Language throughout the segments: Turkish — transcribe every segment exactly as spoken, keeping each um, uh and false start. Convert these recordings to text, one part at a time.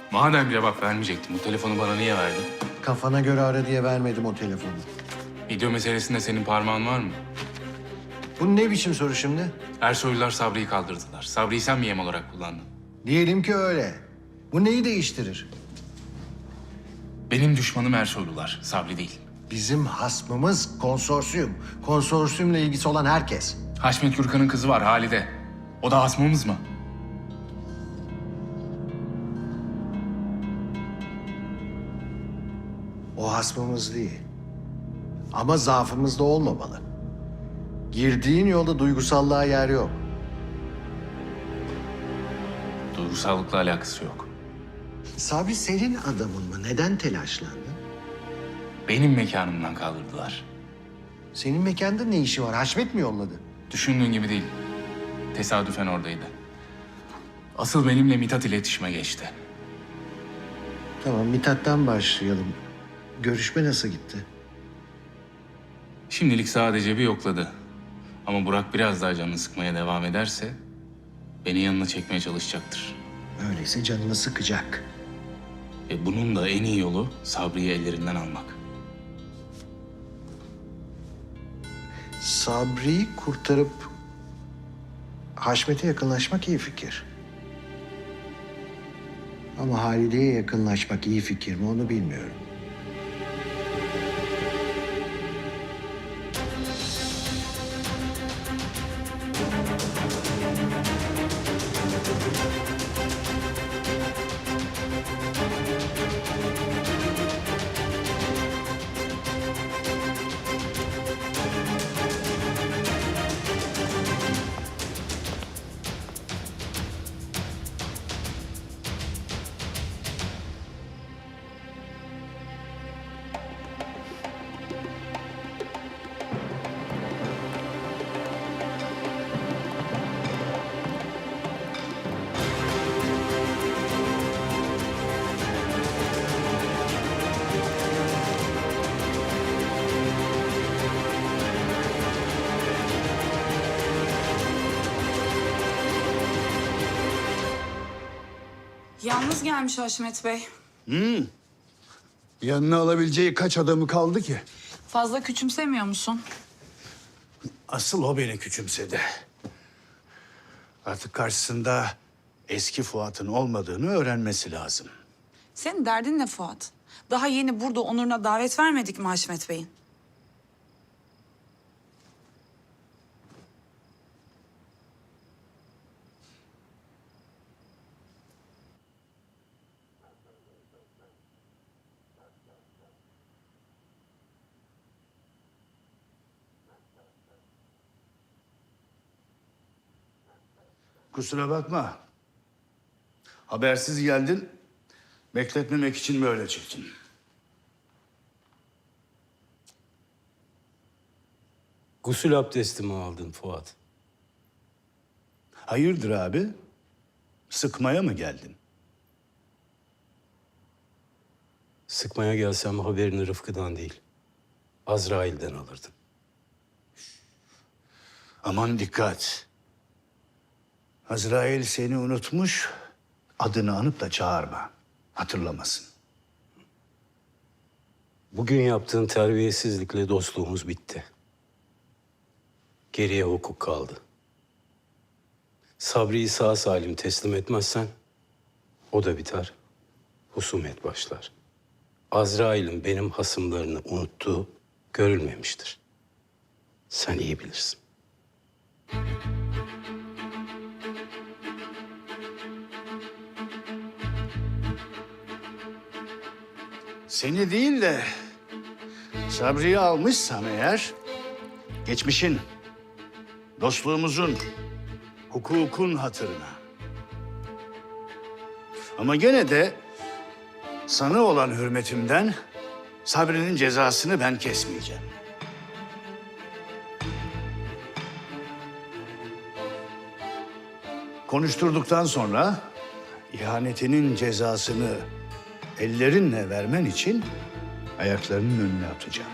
Madem cevap vermeyecektin, bu telefonu bana niye verdin? Kafana göre ara diye vermedim o telefonu. Video meselesinde senin parmağın var mı? Bu ne biçim soru şimdi? Ersoylular Sabri'yi kaldırdılar. Sabri'yi sen mi yem olarak kullandın? Diyelim ki öyle. Bu neyi değiştirir? Benim düşmanım Ersoylular, Sabri değil. Bizim hasmımız konsorsiyum. Konsorsiyumla ilgisi olan herkes. Haşmet Gürkan'ın kızı var Halide. O da hasmımız mı? O hasmımız değil. Ama zaafımız da olmamalı. Girdiğin yolda duygusallığa yer yok. Duygusallıkla alakası yok. Sabri senin adamın mı? Neden telaşlandın? Benim mekanımdan kaldırdılar. Senin mekanda ne işi var? Haşmet mi yolladı? Düşündüğün gibi değil. Tesadüfen oradaydı. Asıl benimle Mithat iletişime geçti. Tamam, Mithat'tan başlayalım. Görüşme nasıl gitti? Şimdilik sadece bir yokladı. Ama Burak biraz daha canını sıkmaya devam ederse beni yanına çekmeye çalışacaktır. Öyleyse canını sıkacak. Ve bunun da en iyi yolu Sabri'yi ellerinden almak. Sabri'yi kurtarıp Haşmet'e yakınlaşmak iyi fikir. Ama Halide'ye yakınlaşmak iyi fikir mi onu bilmiyorum. Yalnız gelmiş Haşmet Bey. Yanına alabileceği kaç adamı kaldı ki? Fazla küçümsemiyor musun? Asıl o beni küçümsedi. Artık karşısında eski Fuat'ın olmadığını öğrenmesi lazım. Senin derdin ne Fuat? Daha yeni burada Onur'una davet vermedik mi Haşmet Bey'in? Kusura bakma. Habersiz geldin. Bekletmemek için böyle çıktın. Gusül abdesti mi aldın Fuat? Hayırdır abi? Sıkmaya mı geldin? Sıkmaya gelsem haberini Rıfkı'dan değil, Azrail'den alırdın. Aman dikkat. Azrail seni unutmuş, adını anıp da çağırma. Hatırlamasın. Bugün yaptığın terbiyesizlikle dostluğumuz bitti. Geriye hukuk kaldı. Sabri'yi sağ salim teslim etmezsen o da biter, husumet başlar. Azrail'in benim hasımlarını unuttuğu görülmemiştir. Sen iyi bilirsin. Seni değil de Sabri'yi almışsam eğer, geçmişin, dostluğumuzun, hukukun hatırına. Ama gene de sana olan hürmetimden Sabri'nin cezasını ben kesmeyeceğim. Konuşturduktan sonra ihanetinin cezasını ellerinle vermen için ayaklarının önüne atacağım.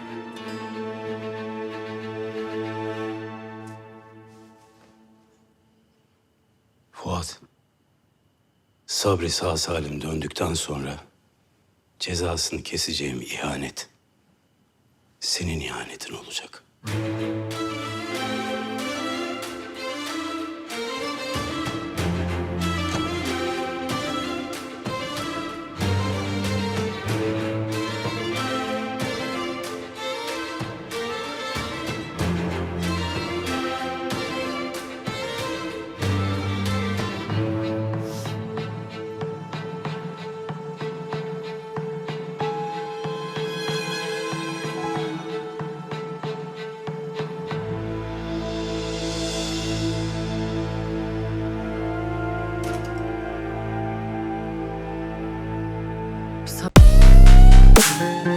Fuat, Sabri sağ salim döndükten sonra cezasını keseceğim ihanet senin ihanetin olacak. Sa-